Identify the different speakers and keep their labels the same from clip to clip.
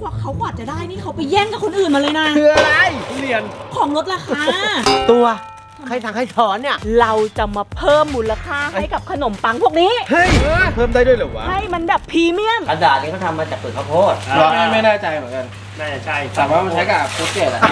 Speaker 1: เขากว่าจะได้นี่เขาไปแย่งกับคนอื่นมาเลยนะ
Speaker 2: คืออะไรเรียน
Speaker 1: ของลดราคา
Speaker 2: ตัวใครสั่งใครสอนเนี่ย
Speaker 1: เราจะมาเพิ่มมูลค่าให้กับขนมปังพวกนี้
Speaker 2: เฮ้ยเพิ่มได้ด้วยเหรอวะ
Speaker 1: ให้มันแบบพรีเมียม
Speaker 3: กระดาษนี้เขาทำมาจากเปลือกข้าวโพด
Speaker 2: ไม่แน่ใจเหมือนกันน่าจะใช่แต่ว่ามันใช้กับโคเกตอะ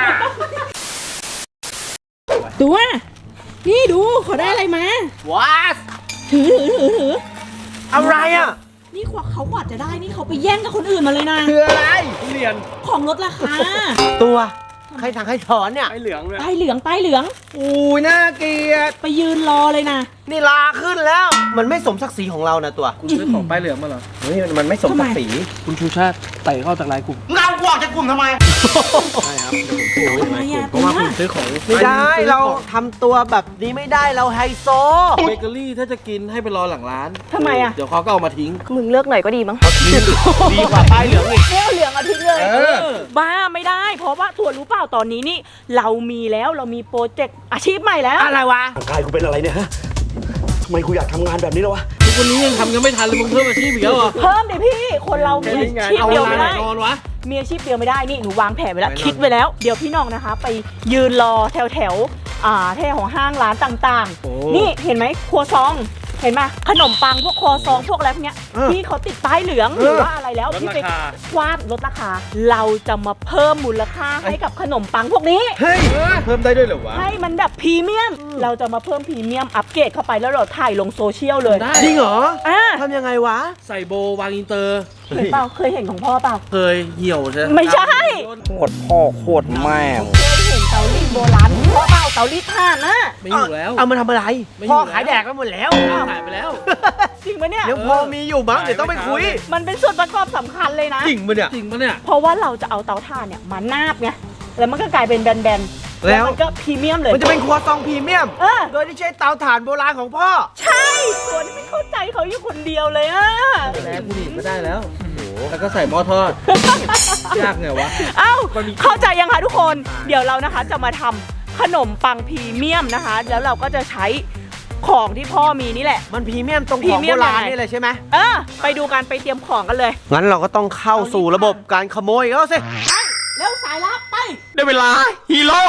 Speaker 1: ตัวนี่ดูเขาได้อะไรมา
Speaker 2: ว้า
Speaker 1: ถือ
Speaker 2: อะไรอ่ะ
Speaker 1: นี่เขากว่าจะได้นี่เขาไปแย่งกับคนอื่นมาเลยนะ
Speaker 2: คืออะไรเรียน
Speaker 1: ของลดราคา
Speaker 2: ตัวใครสั่งใครสอนเนี่ย
Speaker 1: ป้ายเหลือง
Speaker 2: อู้น่าเกลียด
Speaker 1: ไปยืนรอเลยนะ
Speaker 2: นี่ลาขึ้นแล้วมันไม่สมศักดิ์ศรีของเรานะตัว
Speaker 4: คุณซื้อของป้ายเหลืองมาเหรอ
Speaker 2: เฮ้ยมันไม่สมศักดิ์ศรี
Speaker 4: คุณชูชาติไต่เข้าจากไลน์กลุ่ม
Speaker 2: เราออกจากกลุ่มทำไม
Speaker 4: ใช่ครับทำไมเพราะว่าคุณซื้อของ
Speaker 2: ไม่ได้เราทำตัวแบบนี้ไม่ได้เราไฮโซ
Speaker 4: เบเกอรี่ถ้าจะกินให้ไปรอหลังร้าน
Speaker 1: ทำไมอ่ะ
Speaker 4: เดี๋ยวเขาก็เอามาทิ้ง
Speaker 1: มึงเลิกหน่อยก็ดีมั้ง
Speaker 2: ดีกว่าป้ายเหลืองอีก
Speaker 1: เอาเหลืองเอาทิ้งเลยบ้าไม่ได้เพราะว่าตัวรู้เปล่าตอนนี้นี่เรามีโปรเจกต์อาชีพใหม่แล้ว
Speaker 2: อะไรวะ
Speaker 5: ร่างกายกูเป็นอะไรเนี่ยฮะทำไมกูอยากทำงานแบบนี้แล้ววะ
Speaker 4: ทุกวันนี้ยังทำกันไม่ทันเลยมึงเพิ่มอาชีพอีกแล้วเหรอ
Speaker 1: เพิ่มดิพี่คนเรามีอาชีพเดียวไม่ได้
Speaker 4: นอนวะ
Speaker 1: มีอาชีพเดียวไม่ได้นี่หนูวางแผนไว้แล้วคิดไว้แล้วเดี๋ยวพี่น้องนะคะไปยืนรอแถวแถวของห้างร้านต่างๆนี่เห็นไหมครัวซองเห็นไหมขนมปังพวกครัวซองพวกอะไรพวกเนี้ยที่เขาติดป้ายเหลืองหรือว่าอะไรแล้วที่ไปวาดลดราคาเราจะมาเพิ่มมูลค่าให้กับขนมปังพวกนี้
Speaker 2: เฮ้ยเพิ่มได้ด้วยเหรอวะ
Speaker 1: ให้มันแบบพรีเมียมเราจะมาเพิ่มพรีเมียมอัปเกรดเข้าไปแล้วเราถ่ายลงโซเชียลเลย
Speaker 2: จริงเหรอทำยังไงวะ
Speaker 4: ใส่โบวางอินเตอร์
Speaker 1: เห็นเปล่าเคยเห็นของพ่อเปล่า
Speaker 4: เคยเหี่ยวใช่
Speaker 1: ไม่ใช่
Speaker 5: โคตรพ่อโคตรแม่
Speaker 1: เคยเห็นเตารีดโบราณพ่อเปล่าเตารีดถ่านนะ
Speaker 4: ไม่อยู่แล้ว
Speaker 2: เอามาทำอะไรพ่อขายแดกไปหมดแล้ว
Speaker 4: ขายไปแล้ว
Speaker 1: จริงปะเนี่ย
Speaker 2: ยังพอมีอยู่มั้งเดี๋ยวต้องไปคุย
Speaker 1: มันเป็นส่วนประกอบสำคัญเลยนะ
Speaker 2: จริงปะเนี่ย
Speaker 1: เพราะว่าเราจะเอาเตาถ่านเนี่ยมานาบไงแล้วมันก็กลายเป็นแบนๆแล้วมันก็พรีเมียมเลย
Speaker 2: มันจะเป็นครัวซองพรีเมียมโดยที่ใช้เตาถ่านโบราณของพ่อ
Speaker 1: ใช่ตัวนี้ไม่เข้าใจเขาอยู่คนเดียวเลยอะ
Speaker 4: แล้วกูหนีไม่ได้แล้วแล้วก็ใส่หม้อทอดยากไงวะ
Speaker 1: เอ้าเข้าใจยังคะทุกคนเดี๋ยวเรานะคะจะมาทำขนมปังพรีเมียมนะคะแล้วเราก็จะใช้ของที่พ่อมีนี่แหละ
Speaker 2: มันพรีเมียมตรงของโบราณนี่เลยใช่ไหม
Speaker 1: ไปดูกันไปเตรียมของกันเลย
Speaker 2: งั้นเราก็ต้องเข้าสู่ระบบการขโมยแล้วสิ
Speaker 1: เร็วสายลับไป
Speaker 2: ได้เวลาฮีโร่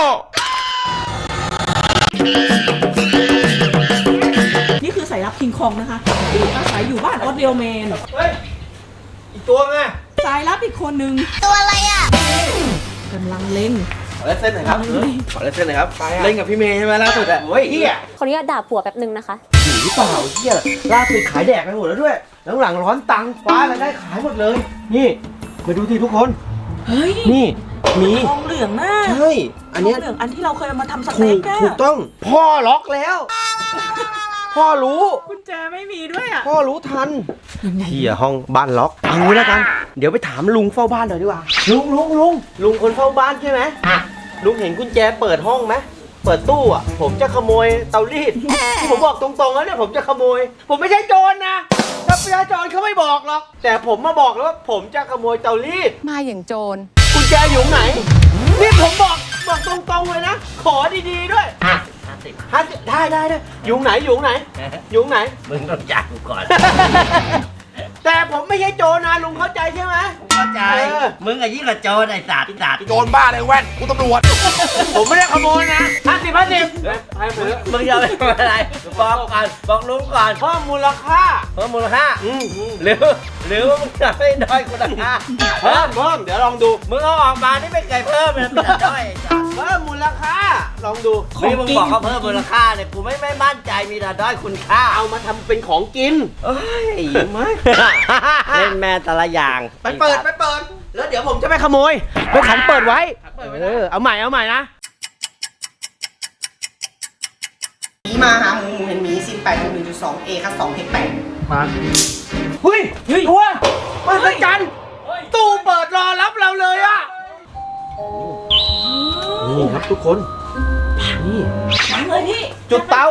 Speaker 1: นี่คือสายลับคิงคองนะคะที่อาศัยอยู่บ้านออสเดลแมน
Speaker 2: เฮ้ยอีกตัวไง
Speaker 1: สายลับอีกคนนึง
Speaker 6: ตัวอะไรอ่ะ
Speaker 1: กำลังเล็ง
Speaker 2: ขอเล่นเส้นหน่อยครับขอเล่นเส้นหน่อยครับเล่นกับพี่เมย์ใช่ไหมล่าสุดอ่ะเฮ้ยเฮีย
Speaker 6: ขออนุญาตด่าผัวแป๊บนึงนะคะ
Speaker 2: หรือเปล่าเฮียล่าสุดขายแดกไปหมดแล้วด้วยหลังร้อนตังค์คว้าอะไรได้ขายหมดเลยนี่มาดูทีทุกคน
Speaker 1: เฮ้ย
Speaker 2: นี่มี
Speaker 1: ทองเหลืองมาก
Speaker 2: ใช่อันนี้
Speaker 1: ทองเหลืองอันที่เราเคยเอามาทำสเต็กอะ
Speaker 2: ถูกต้องพ่อล็อกแล้วพ่อรู้
Speaker 1: กุญแจไม่มีด้วยอ่ะ
Speaker 2: พ่อรู้ทันเฮียห้องบ้านล็อกเอางี้แล้วกันเดี๋ยวไปถามลุงเฝ้าบ้านหน่อยดีกว่าลุงคนเฝ้าบ้านใช่ไหมลุงเห็นกุญแจเปิดห้องไหมเปิดตู้อ่ะผมจะขโมยเตารีดผมบอกตรงๆแล้วเนี่ยผมจะขโมยผมไม่ใช่โจรนะถ้าประชาชนเขาไม่บอกหรอกแต่ผมมาบอกแล้วว่าผมจะขโมยเตารีด
Speaker 6: มาอย่างโจร
Speaker 2: กุญแจอยู่ไหนนี่ผมบอกตรงๆเลยนะขอดีๆด้วย50ได้อยู่ไหน
Speaker 3: มึงต้องจ่ายกูก่อน
Speaker 2: แต่ผมไม่ใช่โจรนะลุงเข้าใจใช่ไหม
Speaker 3: เข้าใจมึงอะยิ่งกว่าโจรไอ้สัตว์
Speaker 5: โจรบ้าเลยแว่นกูตำรวจ
Speaker 2: ผมไม่ได้ขโมยนะ50
Speaker 3: มึงจะไปทำอะไรบอกลุงก่อน
Speaker 2: เพิ่มมูลค่า
Speaker 3: หรือว่ามึงจะไม่ด้อยคุณค่า
Speaker 2: เพิ่มเดี๋ยวลองดู
Speaker 3: มึงเอาออกมานี่ไม่เคยเพิ่มเลยมึงด้อย
Speaker 2: เพิ่มมูลค่าลองดู
Speaker 3: นี่มึงบอกเขาเพิ่มมูลค่าเนี่ยกูไม่มั่นใจมีแต่ด้อยคุณค่า
Speaker 2: เอามาทำเป็นของกิน
Speaker 3: ไม่เล่นแม่แต่ละอย่าง
Speaker 2: ไปเปิดแล้วเดี๋ยวผมจะไปขโมยไปขันเปิดไว้เอาใหม่นะ
Speaker 7: มาหาหมูเห็นหมีซิน8 1.2 A ครับ2 h 8
Speaker 2: มาเฮ้ยตัวมาสักจันตู้เปิดรอรับเราเลยอ่ะนี่ครับทุกคนนี่
Speaker 1: มาเลยพี่
Speaker 2: จุดเตา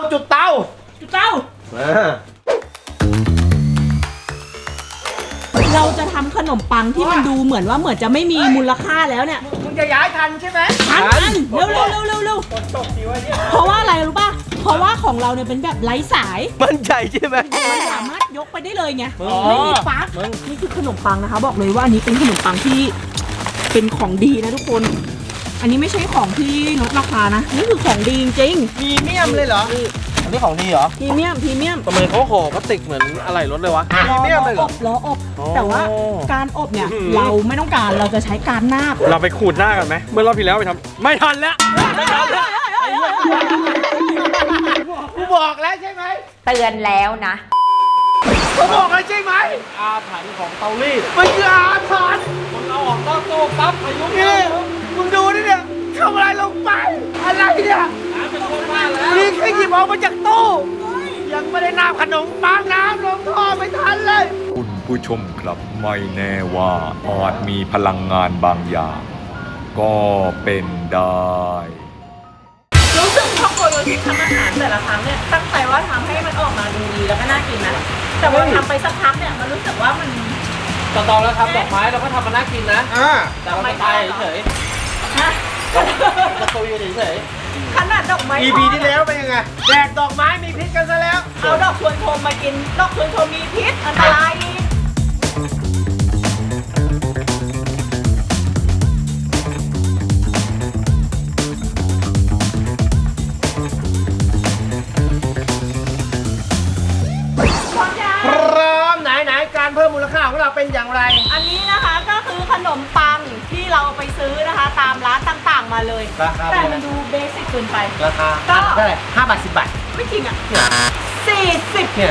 Speaker 1: เราจะทำขนมปังที่มันดูเหมือนจะไม่มีมูลค่าแล้วเนี่ย
Speaker 2: มึงจะย้ายทันใช่ไหม
Speaker 1: ทันเร็วเพราะว่าอะไรรู้ป่ะเพราะว่าของเราเนี่ยเป็นแบบไร้สาย
Speaker 2: มั่นใจใช่ไหม
Speaker 1: มันสามารถยกไปได้เลยไงไม่มีปลั๊กนี่คือขนมปังนะคะ บอกเลยว่าอันนี้เป็นขนมปังที่เป็นของดีนะทุกคน อันนี้ไม่ใช่ของที่ลดราคานะนี่คือของดีจริง
Speaker 2: มีเมียมเลยเหรอ
Speaker 4: อันนี้ของดีเหรอ
Speaker 1: พรีเมียมพรีเมียม
Speaker 4: ทำไมเขาห่อพลาสติกเหมือนอะไรรถเลยวะ
Speaker 2: พรีเมียมเลยเหรอ
Speaker 1: ล้ออบ
Speaker 4: อ๋อ
Speaker 1: แต่ว่าการอบเนี่ยเราไม่ต้องการเราจะใช้การนาบ
Speaker 4: เราไปขูดหน้ากันไหมเมื่อรอบที่แล้วไปทำไม่ทันแล้วไม่ทันแล้ว
Speaker 2: กูบอกแล้วใช่ไหม
Speaker 6: เตือนแล้วนะ
Speaker 2: กูบอกแล้วใช่ไหม
Speaker 4: อาถรรพ์ของเตารีด
Speaker 2: มันคืออาถรรพ์
Speaker 4: มึงเอาออกนอกตู้ปั๊บพายุ
Speaker 2: นี่มึงดูนี่เนี่ยทำอะไรลงไป อะไรเนี่ย
Speaker 4: เป็นคนบ้าแล้ว
Speaker 2: นี่แค่หยิบออกมาจากตู้ ยังไม่ได้น้ำขนมปังน้ำลงท่อไม่ทันเลย
Speaker 8: คุณผู้ชมครับไม่แน่ว่าอาจมีพลังงานบางอย่าง ก็เป็นได้
Speaker 1: รู้สึกครอบครัวโยชิทำอาหารแต่ละครั้งเนี่ยตั้งใจว่าทำให้มันออกมาดูดีแล้วก็น่ากินนะแต่ว่าทำไปสักพักเนี่ยมันรู้สึกว่ามัน
Speaker 4: ต่อแล้วครับดอกไม้เราก็ทำมาน่ากินนะ แต่เราไม่ตายเฉย
Speaker 1: ฮะ
Speaker 4: ๆเราคุยกันเฉย
Speaker 1: ขนาดดอกไม้
Speaker 2: EP ที่แล้วเป็นยังไงแดกดอกไม้มีพิษกันซะแล้ว
Speaker 1: เอาดอกชวนโทมมากินดอกชวนโทมมีพิษอันตรายอีก พร้อมยัง
Speaker 2: พร้อมไหนการเพิ่มมูลค่าของเราเป็นอย่างไร
Speaker 1: อันนี้นะคะก็คือขนมปังที่เราไปซื้อนะคะ ตามร้านต่างๆมาเลย
Speaker 2: ราคา
Speaker 1: แต่มันดูเบสิกเกินไป
Speaker 2: ราคา
Speaker 1: ก็
Speaker 2: เท่าไหร่5 บาท 10 บาท
Speaker 1: ไม่จริงอ่ะ40
Speaker 2: เนี่ย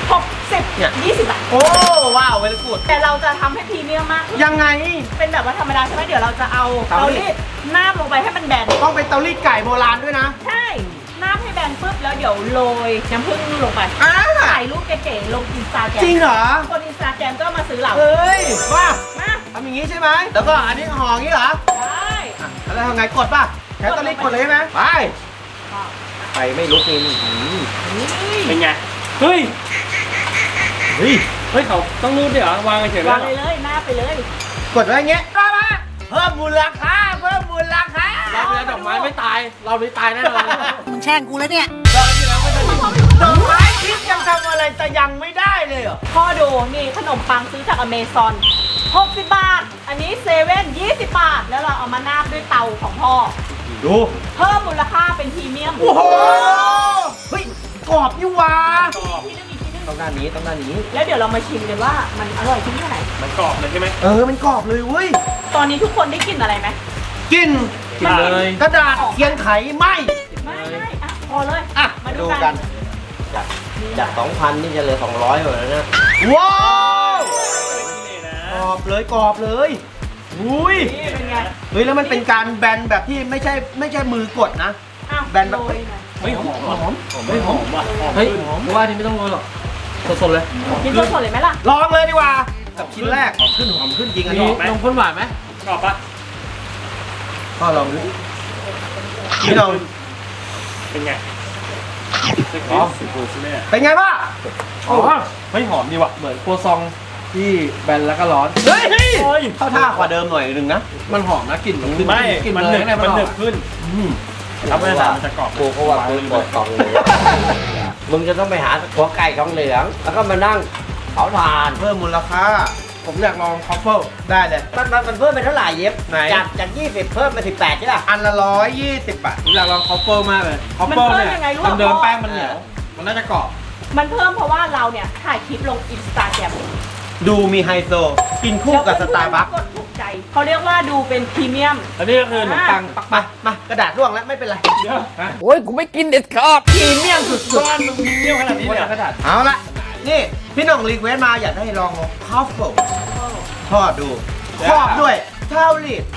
Speaker 1: 60 20 บาท
Speaker 2: โอ้ ว้าวเวลกูด
Speaker 1: แต่เราจะทำให้พรีเมียมมากขึ้น
Speaker 2: ยังไง
Speaker 1: เป็นแบบว่าธรรมดาใช่ไหมเดี๋ยวเราจะเอา
Speaker 2: เตา
Speaker 1: เตา
Speaker 2: รี
Speaker 1: รี
Speaker 2: ด
Speaker 1: ดน้ำลงไปให้มันแบน
Speaker 2: ต้องเป็นเตารีดไก่โบราณด้วยนะ
Speaker 1: ใช่น้ำให้แบนปุ๊บแล้วเดี๋ยวโรยน้ำผึ้งลงไป
Speaker 2: อ้า
Speaker 1: ถ่ายรูปเก๋ๆลงอินสตาแกรม
Speaker 2: จริงเหรอ
Speaker 1: คนอินสตาแกรมก็มาซื้อเรา
Speaker 2: เฮ้ยว่า
Speaker 1: มา
Speaker 2: ทำอย่างนี้ใช่ไหม แล้วก็อันนี้ห่ออย่างนี้เหรอ
Speaker 1: ได้
Speaker 2: อ่ะแล้วทำไงกดป่ะแค่เตารีดกดเลยใช่ไหมไป ไปไม่ลุกนี่
Speaker 4: เป็นไง เฮ้ย เฮ้ยเขาต้องรูดด้วยเหรอ วางเฉยๆ
Speaker 1: วางเลยเลยหน้าไปเลย
Speaker 2: กดไว้อย่างเงี้ยมาเพิ่มมูลค่าเพิ่มมูลค่า
Speaker 4: เราไปแล้วดอกไม้ไม่ตาย เราไม่ตายแน่นอน
Speaker 7: มึงแช่งกูแล้วเนี่ย
Speaker 2: ดอกไม้พิษยังทำอะไรแต่ยังไม่ได้เลยเหรอ
Speaker 1: พ่อดูนี่ขนมปังซื้อจากอเมซอน60 บาท อันนี้เซเว่น20 บาท แล้วเราเอามานาบด้วยเตาของพ่อ
Speaker 2: ดู
Speaker 1: เพิ่มมูลค่าเป็นพรีเมียม
Speaker 2: โอ้โห เฮ้ย กรอบนี่หว่า
Speaker 1: ที่นึงอีกที่นึง
Speaker 2: ต้องด้านนี้ต้องด้านนี้
Speaker 1: แล้วเดี๋ยวเรามาชิมกันว่ามันอร่อยขึ้นแค่ไหน
Speaker 4: มันกรอบเลยใช่ไหม
Speaker 2: มันกรอบเลยเว้ย
Speaker 1: ตอนนี้ทุกคนได้กลิ่นอะไรไหม
Speaker 2: กิน
Speaker 4: กินเลย
Speaker 2: กระดาษเขียนไขไหม
Speaker 1: ไม่อ่ะพอเลย
Speaker 2: อ่ะ
Speaker 1: มาดู
Speaker 2: ดู
Speaker 1: กั
Speaker 2: กัน น จาก 2,000 นี่จะเหลือ 200หมดแล้วนะ ว้าวกรอบเลยกรอบเลยอุ้ย
Speaker 1: นี่เป็นไง
Speaker 2: เฮ้ย แล้วมันเป็นการแบนแบบที่ไม่ใช่มือกดนะ
Speaker 1: อ้าว
Speaker 2: แบนแบบ
Speaker 1: โรยหน่อย
Speaker 4: เฮ้ยหอมเฮ้ยหอมว่ะเฮ้ยเพราะว่านี่ไม่ต้องโรยหรอกสดๆเลย
Speaker 1: กินสดๆเลยไหมล่ะ
Speaker 2: ลองเลยดีกว่า กับชิ้นแรกหอมขึ้นจริงอัน
Speaker 4: มี
Speaker 2: นี้
Speaker 4: นมข้นหวานไหมกรอบปะ
Speaker 2: ก็ลองดูนี่ลอง
Speaker 4: เป็นไง
Speaker 2: อ๋อเป็นไงบ้าง
Speaker 4: อ๋อเฮ้ยหอมดีว่ะ เหมือนครัวซองที่แบนแล้วก็ร้อน
Speaker 2: เฮ้ยเข้าท่ากว่าเดิมหน่อยนึงนะ
Speaker 4: มันหอมนะกลิ่นมันขึ้น
Speaker 3: ไม่
Speaker 4: กลิ่น
Speaker 3: มัน
Speaker 4: เลย
Speaker 3: หนึบ
Speaker 4: ข้างใน
Speaker 3: มันหนึบ
Speaker 4: ออก
Speaker 3: ขึ้นถ้าไม่ได้มันจะกรอบ
Speaker 2: กูก็ว่ากูกดกล่องเลยมึงจะต้องไปหาหัวไก่ทองเหลือง แล้วก็มานั่งเผาถ่านเพิ่มมูลค่า
Speaker 4: ผมอยากลองคอฟเฟิล
Speaker 2: ได้เลย มันเพิ่มไปเท่าไหร่เย็บ
Speaker 4: ไหน
Speaker 2: จาก20 เพิ่มเป็น18ใช่ป่ะอันละ120 บาท
Speaker 4: ผมอยากลองคอฟเฟิลมากเลยคอฟเฟิลเนี่ยเดิมๆแป้งมันเหนียวมันน่าจะกรอบ
Speaker 1: มันเพิ่มเพราะว่าเราเนี่ยถ่ายคลิปลงอินสตาแกรม
Speaker 2: ดูมีไฮโซ กินคู่กับสตาร์บัค
Speaker 1: กดถูกใจเขาเรียกว่าดูเป็นพรีเมียม
Speaker 4: อันนี้ก็คือขนมปังปัก
Speaker 2: มากระดาษร่วงแล้วไม่เป็นไร
Speaker 4: โอ้ยกูไม่กินเด็ดขาดพรีเมียมสุดๆมันมึงเที่ยวขนาดนี้เลยกระดาษ
Speaker 2: เอาละนี่ พี่หน้องรีเควสต์มาอยากให้ลองคอฟเฟิลทอดดูครอบด้วยเท่าลิด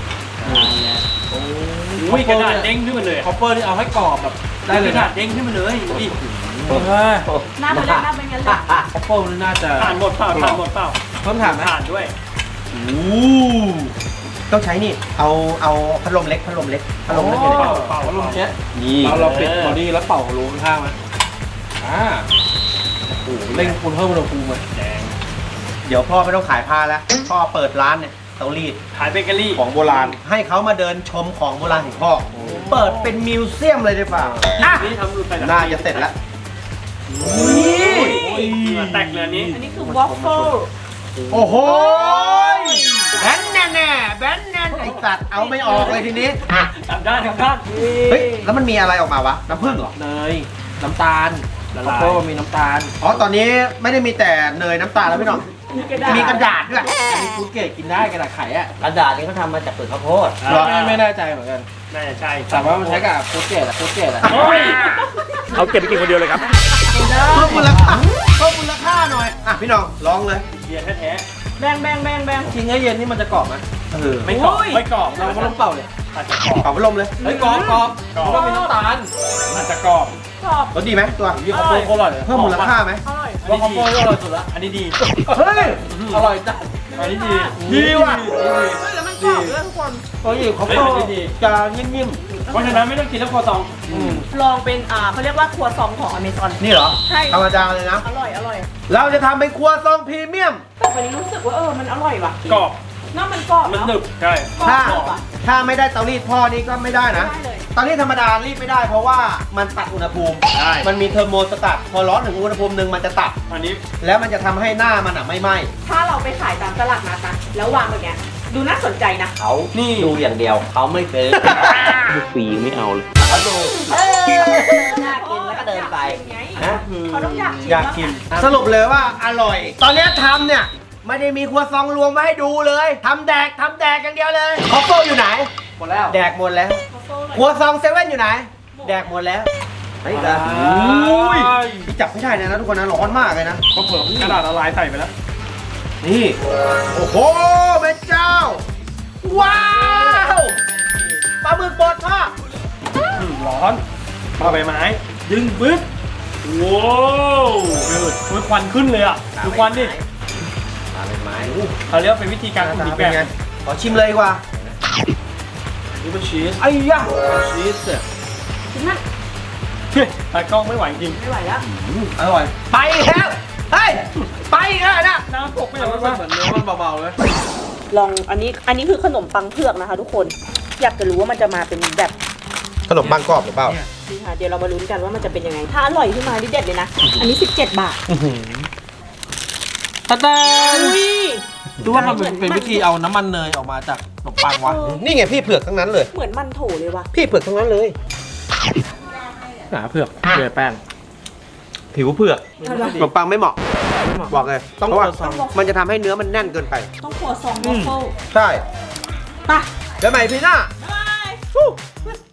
Speaker 3: อุ้ยกระดาษเด้งขึ้นมาเลย
Speaker 4: คอฟเฟิลนี่เอาให้กรอบแบบได้เลย
Speaker 3: กระ
Speaker 4: นะ
Speaker 3: ดาษเด้งขึ้นมาเลยดิ
Speaker 1: หน้ามันเล่นหน้าเป็นงั้นเลย
Speaker 4: คอฟเฟิลนี่น่าจะ
Speaker 3: ผ่านหมดเปล่าผ่านหมดเปล่า
Speaker 4: เพิ่มถามไหม
Speaker 3: ผ่านด้วย
Speaker 2: ต้องใช้นี่ เอาพัดลมเล็กอยู่ใน
Speaker 4: เป่าลมเช็ด
Speaker 2: นี่
Speaker 4: เราปิดบอดี้แล้วเป่ารูข้างๆไหมโอ้โหเร่งคุณเพิ่มอุณหภูมิไหม
Speaker 2: เดี๋ยวพ่อไม่ต้องขายผ้าแล้ว พ่อเปิดร้านเนี่ยเตารีด
Speaker 4: ขายเบเกอรี่
Speaker 2: ของโบราณ ให้เขามาเดินชมของโบราณของพ่อ เปิดเป็นมิวเซียมเลยดีกว่าอ่ะ
Speaker 4: นี่ทำรูปไปแล้ว
Speaker 2: น่าจะเสร็จแล้ว
Speaker 4: เหงื่อแตกเลยอันนี้
Speaker 1: อันนี้คือวอฟเฟิล
Speaker 2: โอ้โหแบนแน่แน่แบนแน่ไอ้สัตว์เอาไม่ออกเลยทีนี้
Speaker 4: กลับด้านกลับด้าน
Speaker 2: เฮ้ย แล้วมันมีอะไรออกมาวะ น้ำผึ้งเหรอ
Speaker 3: เนยน้ำตาล
Speaker 4: ละ
Speaker 3: ข้าว
Speaker 4: ลาย
Speaker 3: โพดมีน้ำตาล
Speaker 2: อ๋อ ตอนนี้ไม่ได้มีแต่เนยน้ำตาลแล้วพี่น้อง มีกระดาษด้วย
Speaker 3: อันนี้ฟูดเกรดกินได้กระดาษไขอ่ะกระดาษนี้เขาทำมาจากเปลือกข้าวโพด
Speaker 2: เหรอ
Speaker 3: ไม่แน่ใจเหมือนกัน
Speaker 4: น่าจะใช่
Speaker 3: แต่ว่ามันใช้กับฟูดเกรดอะฟูดเกรดอะ
Speaker 4: โอ้ย
Speaker 5: เอาเก็บไปกินคนเดียวเลยครับ
Speaker 2: เพิ่มมูลค่าเพิ่มมูลค่าหน่อย อ่ะพี่น้องลองเลย
Speaker 4: เบียร์แท้
Speaker 1: แบงแบงแบงแบง
Speaker 3: ทิ้งให้เย็นนี่มันจะกรอบไหม
Speaker 4: ๆไม่กรอบไม่กรอบ
Speaker 3: เราก็ต้องเป่าเลย
Speaker 4: อาจจะกรอบ
Speaker 2: เป่าพัดลมเลย
Speaker 3: เฮ้ยกรอบกรอบ
Speaker 4: กรอบ
Speaker 3: ก็มีน้ำตาล
Speaker 4: อาจจะกรอบ
Speaker 1: กรอบ
Speaker 2: รสดีไหมตัว
Speaker 3: ยี่ข้าวโพดโคตรอร่อยเลย
Speaker 2: เพิ่มมูลค่าไหม
Speaker 1: อร่อย
Speaker 3: ว่าข้าวโพดก็อร่อยสุดละ
Speaker 4: อันนี้ดี
Speaker 2: เฮ้ย
Speaker 3: อร่อยจัด
Speaker 4: อันนี้ดี
Speaker 2: ดีว่ะ
Speaker 1: แล้วมันกรอบด้วยทุกคน
Speaker 3: เฮ้ยข้าวโพดจะนิ่ม
Speaker 4: เพราะฉะนั้นไม่ต้องกินแล้วคอซอง
Speaker 1: ลองเป็นเขาเรียกว่าครัวซองของอเมซอน
Speaker 2: นี่เหรอ
Speaker 1: ใช่
Speaker 2: ธรรมดาเลยนะ
Speaker 1: อร่อยอร่อย
Speaker 2: เราจะทำเป็นครัวซองพรีเมียม
Speaker 1: แต่วันนี้รู้สึกว่ามันอร่อยว่ะ
Speaker 4: กรอบ
Speaker 1: น้ำมันกรอบ
Speaker 4: มัน
Speaker 1: เนาะ
Speaker 4: หนึบใช่
Speaker 1: กรอบ
Speaker 2: ถ้า
Speaker 1: กรอบอ่ะ
Speaker 2: ถ้าไม่ได้เตารีดพ่อนี่ก็ไม่ได้นะ
Speaker 1: ได้เลย
Speaker 2: เตารีดธรรมดารีดไม่ได้เพราะว่ามันตัดอุณหภูมิ
Speaker 4: ใช่
Speaker 2: มันมีเทอร์โมสตัตพอร้อนถึงอุณหภูมิหนึ่งมันจะตัด
Speaker 4: อันนี้
Speaker 2: แล้วมันจะทำให้หน้ามันอ่ะไม่ไหม้
Speaker 1: ถ้าเราไปขายตามตลาดนัดนะแล้ววางแบบเนี้ยดูน่าสนใจนะ
Speaker 3: เขาดูอย่างเดียวเขาไม่ซื้อ
Speaker 5: ฟรีไม่เอาเลย
Speaker 3: เขาดูน่ากินแล้วก็เดินไป
Speaker 2: นะ
Speaker 1: เขาต้องอยากชิม
Speaker 2: อยากกิน สรุปเลยว่าอร่อย ตอนเนี้ยทำเนี่ย ไม่ได้มีครัวซองรวมไว้ให้ดูเลยทำแดกอย่างเดียวเลยคอฟเฟิลอยู่ไหน
Speaker 3: หมดแล้ว
Speaker 2: แดกหมดแล้ว ครัวซองเซเว่นอยู่ไหน แดกหมดแล้วไอ้กันพี่จับไม่ได้นะทุกคนนะร้อนมากเลยนะ
Speaker 4: ก็เผื่อกระดาษละลายใส่ไปแล้ว
Speaker 2: นี่ โอ้โหแม่เจ้า ว้าวปลาหมึกบดพ่อ
Speaker 4: ร้อนปลาใบไม้ ดึงปึ๊บว้าวดูควันขึ้นเลยอ่ะดูควันดิ
Speaker 2: ปลาเป็นไม้
Speaker 4: เขาเรียกว่าเป็นวิธีการคุมอีก
Speaker 2: เป็
Speaker 4: แบ
Speaker 2: น
Speaker 4: บ
Speaker 2: ไงขอชิมเลยดีกว่า
Speaker 3: นี่เป็นชีส
Speaker 2: ไอ้ยะ
Speaker 3: ชีสเนี่ย
Speaker 4: ตากล้องไม่ไหวจริง
Speaker 1: ไม่ไหวแล้ว
Speaker 3: อร่อย
Speaker 2: ไปแล้ว เฮ้ย ไปแล้วนะ
Speaker 4: น้ำตกไป
Speaker 3: แต่
Speaker 4: แล้ว
Speaker 3: มันเหมือนเนื้อมันเบาๆเลย
Speaker 1: ลองอันนี้คือขนมปังเผือกนะคะ ทุกคนอยากจะรู้ว่ามันจะมาเป็นแบบ
Speaker 2: ขนมปังกรอบหรือเปล่า
Speaker 1: นี่ค่ะเดี๋ยวเรามาลุ้นกันว่ามันจะเป็นยังไง ถ้าอร่อยขึ้นมานี่เด็ดเลยนะ อันนี้ 17 บาท
Speaker 3: ตาตา
Speaker 1: อุ้ย
Speaker 3: ดูว่ามันเป็นวิธีเอาน้ำมันเนยออกมาจากขนมปังวะ
Speaker 2: นี่ไงพี่เผือกทั้งนั้นเลย
Speaker 1: เหมือนมันโถเลยว่ะ
Speaker 2: พี่เผือกทั้งนั้นเลย
Speaker 3: หนาเผือกเผือกแป้ง
Speaker 2: ผิวเผือกขนมปังไม่เหมาะ บอกเลย ต้อง
Speaker 3: เพราะว่า
Speaker 2: มันจะทำให้เนื้อมันแน่นเกินไป
Speaker 1: ต้องครัวซองวอฟเฟิล
Speaker 2: ใช่
Speaker 1: ไป
Speaker 2: เดี๋ยวใหม่พี่หน้า
Speaker 1: บ๊ายบาย